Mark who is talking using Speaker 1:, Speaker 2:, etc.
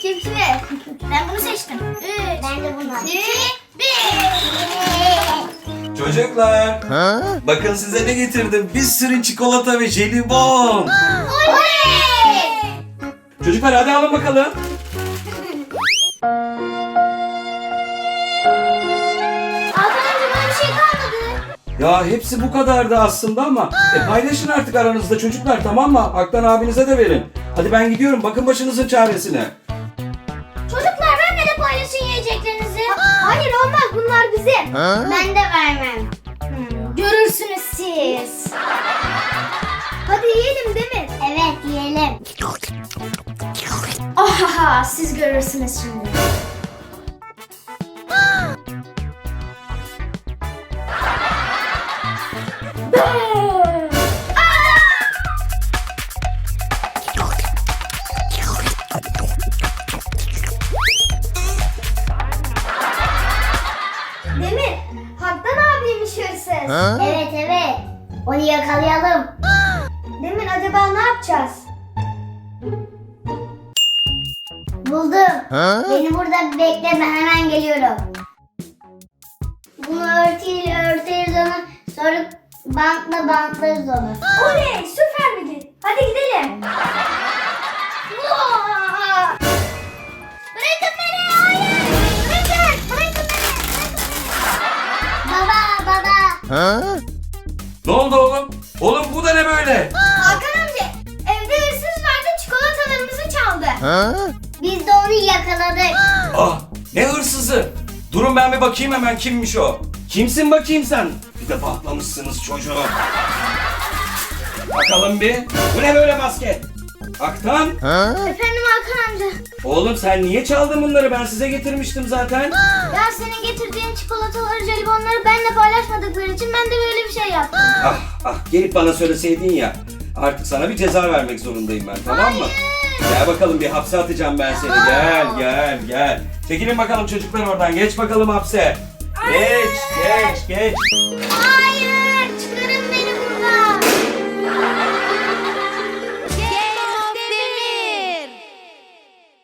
Speaker 1: Cipsi. Ben bunu seçtim. 3. Ben de bunu. 2, 1.
Speaker 2: Çocuklar, bakın size ne getirdim. Bir sürü çikolata ve jelibon.
Speaker 1: Oley!
Speaker 2: Çocuklar hadi alın bakalım.
Speaker 1: Hakan amca bana bir şey kalmadı.
Speaker 2: Ya hepsi bu kadardı aslında ama paylaşın artık aranızda çocuklar, tamam mı? Aktan abinize de verin. Hadi ben gidiyorum, bakın başınızın çaresine.
Speaker 1: Çocuklar benimle de paylaşın yiyeceklerinizi. Hayır olmaz, bunlar bizim. Ben de vermem. Görürsünüz siz. Hadi yiyelim değil mi? Evet yiyelim. Oha, siz görürsünüz şimdi. Demir, Haktan abiymiş hırsız. Evet evet. Onu yakalayalım. Demir, acaba ne yapacağız? Buldum. Beni burada bekle, ben hemen geliyorum. Bunu örtüyle örteriz onu. Sonra bantla bantlarız onu. Oley, süper fikir. Hadi gidelim. Bırakın beni, hayır. Bırakın beni. Baba.
Speaker 2: Ne oldu oğlum? Oğlum bu da ne böyle?
Speaker 1: Hakan amca, evde hırsız vardı, çikolatalarımızı çaldı. Biz de onu yakaladık.
Speaker 2: Ah, ne hırsızı? Durun ben bir bakayım hemen, kimmiş o? Kimsin bakayım sen? Bir de patlamışsınız çocuğu. Bakalım bir. Bu ne böyle basket? Aktan?
Speaker 1: Efendim Hakan amca.
Speaker 2: Oğlum sen niye çaldın bunları? Ben size getirmiştim zaten.
Speaker 1: Ya senin getirdiğin çikolataları, jelibonları benimle paylaşmadıkları için ben de böyle bir şey yaptım.
Speaker 2: Ah ah, gelip bana söyleseydin ya. Artık sana bir ceza vermek zorundayım ben, tamam mı? Gel bakalım, bir hapse atacağım ben seni. Gel. Çekilin bakalım çocuklar oradan. Geç bakalım hapse. Geç.
Speaker 1: Hayır.